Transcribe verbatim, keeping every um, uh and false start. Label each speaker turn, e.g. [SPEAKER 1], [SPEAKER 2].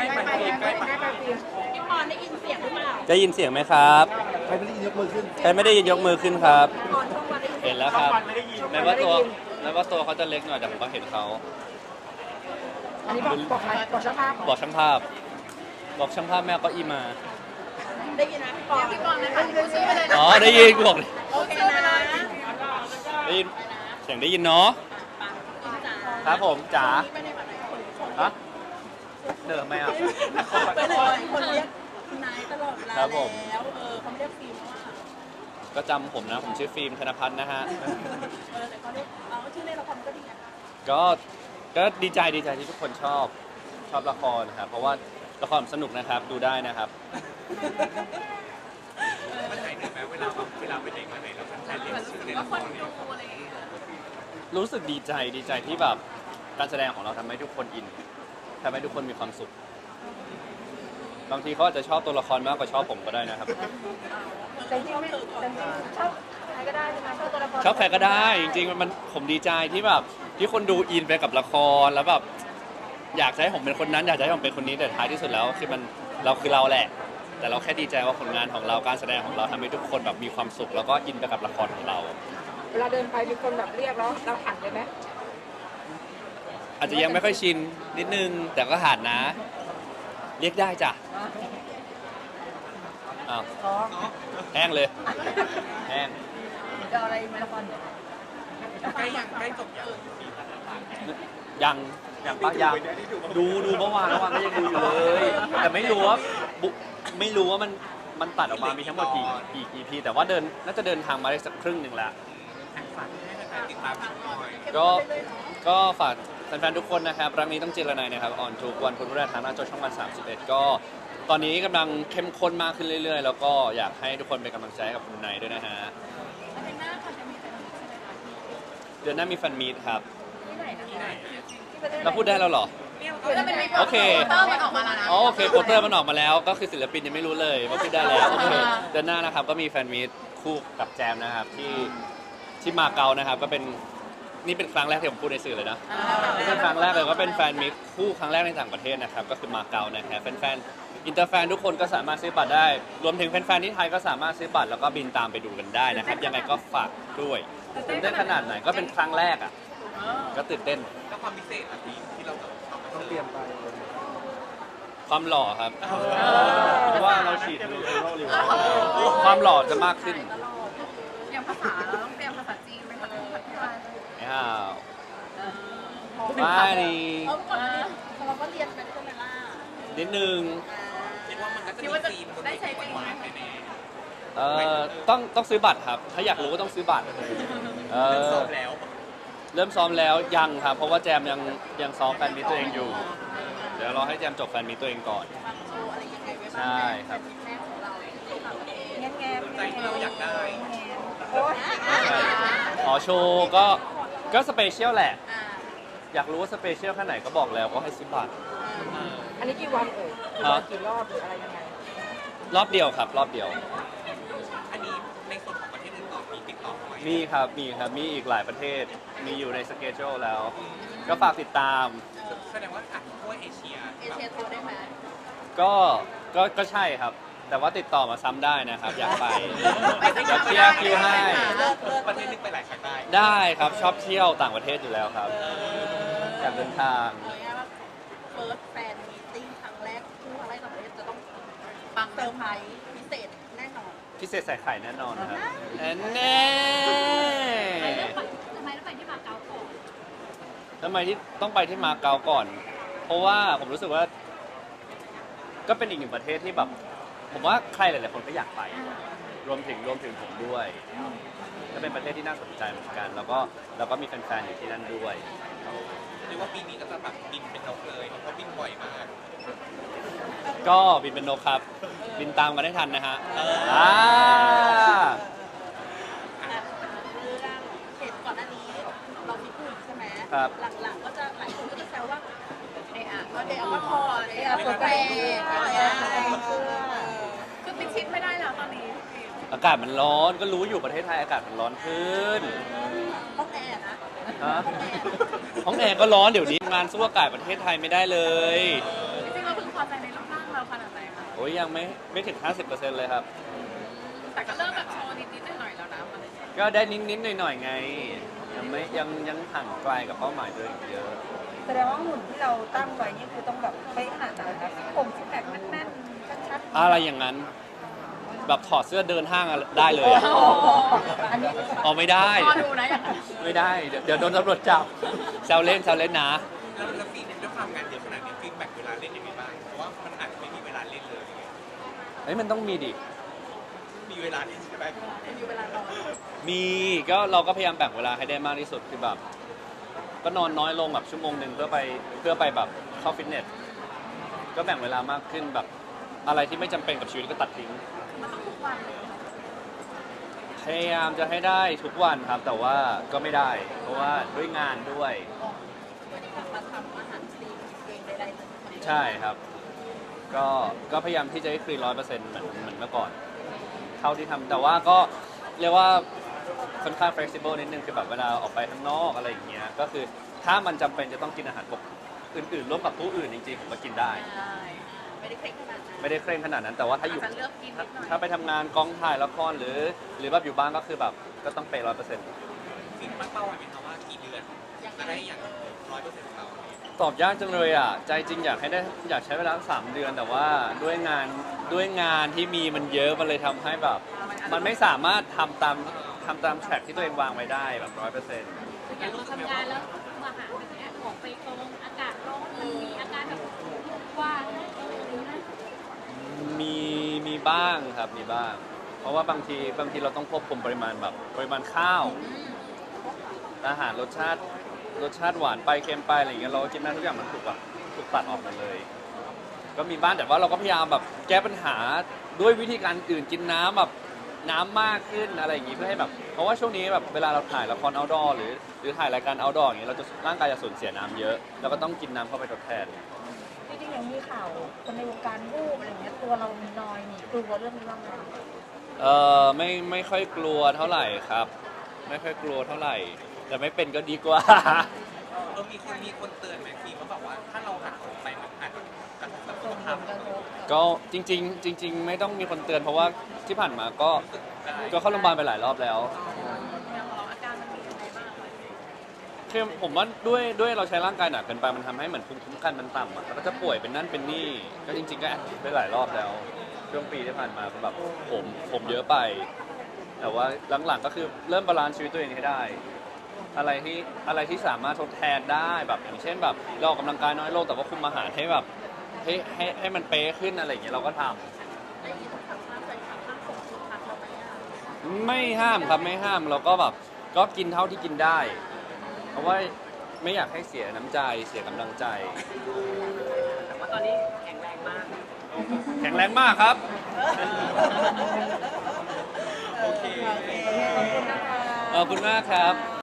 [SPEAKER 1] ไปใกล้ไปใกล้ไป
[SPEAKER 2] พี่ปอนได้ยินเสียงหรือเปล่า
[SPEAKER 3] ได้ยินเสียงไหมครับ
[SPEAKER 1] ใครไม่ได้ยินยกมือขึ้น
[SPEAKER 3] ใครไม่ได้ยินยกมือขึ้นครับ
[SPEAKER 2] พี่ปอนช่องวันได้ยิน
[SPEAKER 3] เห็นแล้วครับแม้ว่าตัวแม้ว่าตัวเขาจะเล็กหน่อยแต่ผมก็เห็นเขา
[SPEAKER 2] อันนี้บอกบอกใครบอกช่างภาพ
[SPEAKER 3] บอกช่างภาพ บอกช่างภาพแม่เอาเก็อีมา
[SPEAKER 2] ได้ยินนะพี่ปอนพี่ปอนเลยค่ะซื้อไปเลย
[SPEAKER 3] อ๋อได้ยินกูบอกเลย
[SPEAKER 2] โอเคนะ
[SPEAKER 3] ได้ยินเสียงได้ยินเนาะครับผมจ๋าฮะเดิมไหมอ่ะ
[SPEAKER 2] ไปเลยคนเรียกนายตลอดเวลา
[SPEAKER 3] ครับผม
[SPEAKER 2] แล้วเออเขาไม่เรียกฟิล์มว่า
[SPEAKER 3] ก็จำผมนะผมชื่อฟิล์มธนพัฒน์นะฮะ
[SPEAKER 2] เออแต่เขาเรียกเอาชื่อเล่นละครก็ดีอ่ะ
[SPEAKER 3] ก็ก็ดีใจดีใจที่ทุกคนชอบชอบละครนะครับเพราะว่าละครสนุกนะครับดูได้นะครับ
[SPEAKER 1] มันหายเหนื่อยไหมเวลาแบบเวลาไปไหนมาไหนแล้วแฟนเรียกชื่อในละครเนี่ย
[SPEAKER 3] รู้สึกดีใจดีใจที่แบบการแสดงของเราทำให้ทุกคนอินทำให้ทุกคนมีความสุขบางทีเขาอาจจะชอบตัวละครมากกว่าชอบผมก็ได้นะครับ
[SPEAKER 2] แต่จริงไม่แต่จริงชอบใครก็ได้ใช่ไหมชอบตัวละคร
[SPEAKER 3] ชอบใครก็ได้จริงๆมันผมดีใจที่แบบที่คนดูอินไปกับละครแล้วแบบอยากจะให้ผมเป็นคนนั้นอยากจะให้ผมเป็นคนนี้แต่ท้ายที่สุดแล้วคือมันเราคือเราแหละ แต่เราแค่ดีใจว่าผลงานของเราการแสดงของเราทำให้ทุกคนแบบมีความสุขแล้วก็อินไปกับละครของเรา
[SPEAKER 2] เวลาเดินไปมีคนแบบเรียกแล้วเราหันเลยไหม
[SPEAKER 3] อาจจะยังไม่ค่อยชินนิดนึงแต่ก็หัดนะ เรียกได้จ้ะอ้าว
[SPEAKER 2] อ๋อ
[SPEAKER 3] แห้งเลยแห้ง
[SPEAKER 2] จะเอาอะไรในละครเนี่ย
[SPEAKER 1] ใกล้ยังใกล้จบยัง
[SPEAKER 3] ยังยังปะยังดูดูเมื่อวานเมื่อวานก็ยังดูอยู่เลย แต่ไม่รู้ว่าบุไม่รู้ว่ามันมันตัดออกมามีทั้งหมดกี่กี่ อี พี แต่ว่าเดินน่าจะเดินทางมาได้สักครึ่งหนึ่งแล้ว
[SPEAKER 1] ฝากให้แฟนติดตามกันหน่อย
[SPEAKER 3] ก็ก็ฝากแฟนๆทุกคนนะครับรักนี้ต้องเจรนายนะครับออนทุกวันพุธพฤหัสทางหน้าจอช่องวันสามสิบเอ็ดก็ตอนนี้กำลังเข้มข้นมากขึ้นเรื่อยๆ แล้วก็อยากให้ทุกคนเป็นกำลังใจให้กับคุณนายด้วยนะฮะเดือนหน้ามีแฟนมีตครับ
[SPEAKER 2] ที่ไหนนะ
[SPEAKER 3] เราพูดได้แล้วเหรอ โอเค
[SPEAKER 2] เตอร์มันออกมาแล้วนะ
[SPEAKER 3] อ๋อโอเคโปสเตอร์มันออกมาแล้ว ก็คือศิลปินยังไม่รู้เลยว่าพูดได้แล้วโอเคเดือนหน้านะครับก็มีแฟนมีตคู่กับแจมนะครับที่ที่มาเก๊านะครับก็เป็นนี่เป็นครั้งแรกที่ผมพูดในสื่อเลยนะนี่เป็นครั้งแรกเลยก็เป็นแฟนมีตคู่ครั้งแรกในต่างประเทศนะครับก็คือมาเก๊านะครับแฟนๆอินเตอร์แฟนทุกคนก็สามารถซื้อบัตรได้ รวมถึงแฟนๆที่ไทยก็สามารถซื้อบัตรแล้วก็บินตามไปดูกันได้นะครับยังไงก็ฝากด้วยตื่นเต้นขนาดไหนก็เป็นครั้งแรกอ่ะก็ตื่นเต้น
[SPEAKER 1] แล้วความพิเศษอะที่ที่เราจะต้องเตรียมไป
[SPEAKER 3] ความหล่อครับเพราะว่าเราฉีดนูโรลิวความหล่อจะมากขึ้น
[SPEAKER 2] อย่างภาษาเราต้องเตรียมภาษาจีนไหมคะภาษาไทย
[SPEAKER 3] ไม่ห่าวไม่นี่
[SPEAKER 2] เออเมื่อก่อนเราก็เรียนไปใช่ไหมล่ะ
[SPEAKER 3] นิดนึง
[SPEAKER 1] คิดว่ามันก็จะมีธีม
[SPEAKER 2] ได้ใช้จริงไหม
[SPEAKER 1] แน่
[SPEAKER 3] เอ่อต้องต้องซื้อบัตรครับ ถ้าอยากรู้ก็ต้องซื้อบัตรเอ
[SPEAKER 1] ๆเริ่ม
[SPEAKER 3] อ
[SPEAKER 1] ซ้อมแล้ว
[SPEAKER 3] เริ่มซ้อมแล้วยังครับ เพราะว่าแจมยังยังซ้อมแฟนมิตตัวเองอยู่ เดี๋ยวรอให้แจมจบแฟนมิตตัวเองก่อน
[SPEAKER 2] ฟังโชว์อะไรยังไงไว้บ้าง
[SPEAKER 3] ใช่ครับ
[SPEAKER 2] แม่ของเราแง่แง่
[SPEAKER 1] ใจที่เราอยากได้
[SPEAKER 2] โอ้ย
[SPEAKER 3] ใช่อ๋อโชว์ก็ก็สเปเชียลแหละ อยากรู้ว่าสเปเชียลแค่ไหนก็บอกแล้วก็ให้ซื้อบัตร
[SPEAKER 2] อันนี้กี่วันเอ่ยกี่วันกี่รอบหรืออะไรยังไง
[SPEAKER 3] รอบเดียวครับ รอบเดียว
[SPEAKER 1] อันนี้ในส่วนของประเทศอื่นต่อมีติดต่อไหม
[SPEAKER 3] มีครับ มีครับ มีอีกหลายประเทศ มีอยู่ในสเกจ u แล้ว ก็ฝากติดตาม
[SPEAKER 1] แสดงว่าอ่ะทั่วเอเชีย
[SPEAKER 2] เอเชียทัวร์ได้ไหม
[SPEAKER 3] ก็ ก็ ก็ใช่ครับ แต่ว่าติดต่อมาซ้ำได้นะครับ อยากไปอยากเคลียร์คิวให้
[SPEAKER 1] ประเทศนึงไปหลายครั้งได้
[SPEAKER 3] ได้ครับ ชอบเที่ยวต่างประเทศอยู่แล้วครับ อยากเดินทาง
[SPEAKER 2] เอาง่ายๆว่าเฟิร์สแฟนมีติ้งครั้งแรกคู่ครั้งแรกต่างประเทศจะต้องปังเซอร์ไพรส์พิเศษแน่นอน
[SPEAKER 3] พิเศษใส่ไข่แน่นอนครับแน่
[SPEAKER 2] ทำไมต้องไปที่มาเก๊าก่อน
[SPEAKER 3] ทำไมที่ต้องไปที่มาเก๊าก่อน เพราะว่าผมรู้สึกว่า ก็เป็นอีกหนึ่งประเทศที่แบบ ผมว่าใครหลายๆคนก็อยากไป รวมถึงรวมถึงผมด้วยก็เป็นประเทศที่น่าสนใจเหมือนกัน แล้วก็แล้วก็มีแฟนๆอยู่ที่นั่นด้วย
[SPEAKER 1] หรือว่าปีนี้ก็จะแบบบินเป็นนกเลยเพราะบินบ่อยมาก
[SPEAKER 3] ก็บินเป็นนกครับ บินตามกันได้ทันนะฮะ
[SPEAKER 1] เออ
[SPEAKER 3] อ่า
[SPEAKER 2] เรื่องเห็นก่อนหน้านี้เรามีผู้หญิงใช่ไหม
[SPEAKER 3] ครับ
[SPEAKER 2] หลังๆก็จะหลายคนก็จะแซวว่าเอะอะก็เดอะก็พอเดอะเปิดแปลงอะไรคือปิดชิดไม่ได้แล้วตอนนี้
[SPEAKER 3] อากาศมันร้อนก็รู้อยู่ประเทศไทยอากาศมันร้อนขึ้น
[SPEAKER 2] ห้องแอร์นะ
[SPEAKER 3] ฮะห้องแอร์ก็ร้อนเดี๋ยวนี้งานสู้อากาศประเทศไทยไม่ได้เลย
[SPEAKER 2] จริงๆเราเพิ่งพอใจในรูปร่างเราขนาดไหนคะ
[SPEAKER 3] โอ้ยยังไม่ไม่ถึง ห้าสิบเปอร์เซ็นต์ เลยครับ
[SPEAKER 2] แต่ก็เริ่มแบบโชว์นิดๆหน่อยๆแล้วนะมันเลย
[SPEAKER 3] ก็ได้นิดๆหน่อยๆไง ยังไม่ยังยังห่างไกลกับเป้าหมายตัวเองอีกเยอะ
[SPEAKER 4] แสดงว่าหุ่นที่เราตั้งไว้นี่คือต้องแบบเป๊ะขนาดไหนคะซิกโครงซิกแพคแน่นๆชัดๆ
[SPEAKER 3] อะไรอย่างนั้น แบบถอดเสื้อเดินห้างอะได้เลยอะ
[SPEAKER 4] โอ้โหอันนี้
[SPEAKER 3] เอาไม่ได้
[SPEAKER 2] พอดูนะอย่างนั้น
[SPEAKER 3] ไม่ได้ เดี๋ยวเดี๋ยวโดนตำรวจจับแซวเล่นแซวเล่นนะ
[SPEAKER 1] แล้วแล้วฟีดด้วยความงานเยอะขนาดนี้ฟีดแบ็กเวลาเล่นยังไงบ้างเพราะว่ามันอาจจะไม่มีเวลาเล่นเลย
[SPEAKER 3] เฮ้ยมันต้องมีดิ
[SPEAKER 1] มีเวลาเล่นใช่ไหม
[SPEAKER 2] มีเวลานอน
[SPEAKER 3] มีก็เราก็พยายามแบ่งเวลาให้ได้มากที่สุดคือแบบ ก็นอนน้อยลงแบบชั่วโมงหนึ่งเพื่อไปเพื่อไปแบบเข้าฟิตเนส ก็แบ่งเวลามากขึ้นแบบอะไรที่ไม่จำเป็นกับชีวิตก็ตัดทิ้ง
[SPEAKER 2] มันต้องทุกวันเลย
[SPEAKER 3] พยายามจะให้ได้ทุกวันครับ แต่ว่าก็ไม่ได้ เพราะว่าด้วยงานด้วย
[SPEAKER 2] วันนี้กลับมาทำอาหารคลีนเองใดๆเลย
[SPEAKER 3] ใช่ครับ ก็ก็พยายามที่จะให้คลีนร้อยเปอร์เซ็นต์เหมือนเหมือนเมื่อก่อน เท่าที่ทำแต่ว่าก็เรียกว่าค่อนข้าง flexible นิดนึงคือแบบเวลาออกไปข้างนอกอะไรอย่างเงี้ยก็คือถ้ามันจำเป็นจะต้องกินอาหารปกอื่นๆร่วมกับผู้อื่นจริงๆผมก็กินได้
[SPEAKER 2] ใช่ไม่ได้เคร่งขนาดนั้น
[SPEAKER 3] ไม่ได้เคร่งขนาดนั้น แต่ว่าถ้าอยู่
[SPEAKER 2] อาจจะเลือกกินนิดหน่อย
[SPEAKER 3] ถ้าไปทำงานกองถ่ายละครหรือ หรือแบบอยู่บ้านก็คือแบบก็ต้องเปร้อยเปอร์เซ็นต์
[SPEAKER 1] ฟีดตั้งเป้าไว้ไหมคะว่ากี่เดือนจะได้อย่างร้อยเปอร์เซ็นต์ของเรา
[SPEAKER 3] ตอบยากจังเลยอ่ะใจจริงอยากให้ได้อยากใช้เวลาสามเดือน แต่ว่าด้วยงานด้วยงานที่มีมันเยอะมันเลยทำให้แบบ มันไม่สามารถทำตามทำตามแทร็กที่ตัวเองวางไว้ได้แบบร้อยเปอร์เซ็นต์
[SPEAKER 5] อย่างเราทำงานแล้วมาหาแบบเนี้ยออกไปตรงอากาศร้อนมันมีอาการแบบว่าเออหรือนะ
[SPEAKER 3] มีมีบ้างครับมีบ้าง เพราะว่าบางทีบางทีเราต้องควบคุมปริมาณแบบปริมาณข้าว อาหารรสชาติรสชาติหวานไปเค็มไปอะไรอย่างเงี้ยเราก็กินได้ทุกอย่างมันถูกแบบถูกตัดออกหมดเลย ก็มีบ้างแต่ว่าเราก็พยายามแบบแก้ปัญหาด้วยวิธีการอื่นกินน้ำแบบน้ำมากขึ้นอะไรอย่างงี้เพื่อให้แบบเพราะว่าช่วงนี้แบบเวลาเราถ่ายละคร outdoor หรือหรือถ่ายรายการ outdoor อย่างเงี้ยเราจะร่างกายจะสูญเสียน้ำเยอะเราก็ต้องกินน้ำเข้าไปทดแทน
[SPEAKER 4] จริงๆยังมีข่าวคนในวงการรูปอะไรเงี้ยตัวเรามีนอยมีกลัวเรื่องนี้บ้างไหมคะ
[SPEAKER 3] เออไม่ไม่ค่อยกลัวเท่าไหร่ครับ ไม่ค่อยกลัวเท่าไหร่ แต่ไม่เป็นก็ดีกว่า
[SPEAKER 1] เออมีคนมีคนเตือนไหมฟีดเขาบอกว่าถ้าเราหักออกไปมันอาจจะกระทบกับสุ
[SPEAKER 4] ส่
[SPEAKER 1] ข
[SPEAKER 4] งผ
[SPEAKER 1] ภาพ
[SPEAKER 4] ลกระทบ
[SPEAKER 3] ก็จริง ๆ จริง ๆ ไม่ต้องมีคนเตือนเพราะว่าที่ผ่านมาก็ก็เข้าโรงพยาบาลไปหลายรอบแล้ว
[SPEAKER 2] อย่างของเราอาการมันมียังไงบ้างคะ
[SPEAKER 3] คือผมว่าด้วยด้วยเราใช้ร่างกายหนักเกินไปมันทำให้เหมือนภูมิคุ้มกันมันต่ำอ่ะแล้วก็จะป่วยเป็นนั่นเป็นนี่ก็จริง ๆ ก็แอดมิดไปหลายรอบแล้วช่วงปีที่ผ่านมาก็แบบผมผมเยอะไป แต่ว่าหลังๆก็คือเริ่มบาลานซ์ชีวิตตัวเองให้ได้ อะไรที่อะไรที่สามารถทดแทนได้แบบอย่างเช่นแบบเราออกกำลังกายน้อยลงแต่ว่าคุมอาหารให้แบบให้ให้ให้มันเป๊ะขึ้นอะไรอย่างเงี้ยเราก็ทำ
[SPEAKER 2] ได้ยินข่าวว่าแฟนคลับห้ามส่งชุดพักเราไปอ่ะ
[SPEAKER 3] ไม่ห้ามครับไม่ห้ามเราก็แบบก็กินเท่าที่กินได้ เพราะว่าไม่อยากให้เสียน้ำใจเสียกำลังใจ
[SPEAKER 2] แต่ว่าตอนนี้แข็งแรงมาก
[SPEAKER 3] แข็งแรงมากครับ
[SPEAKER 1] โอเค
[SPEAKER 4] ขอบคุณนะคะ
[SPEAKER 3] ขอบคุณมากครับ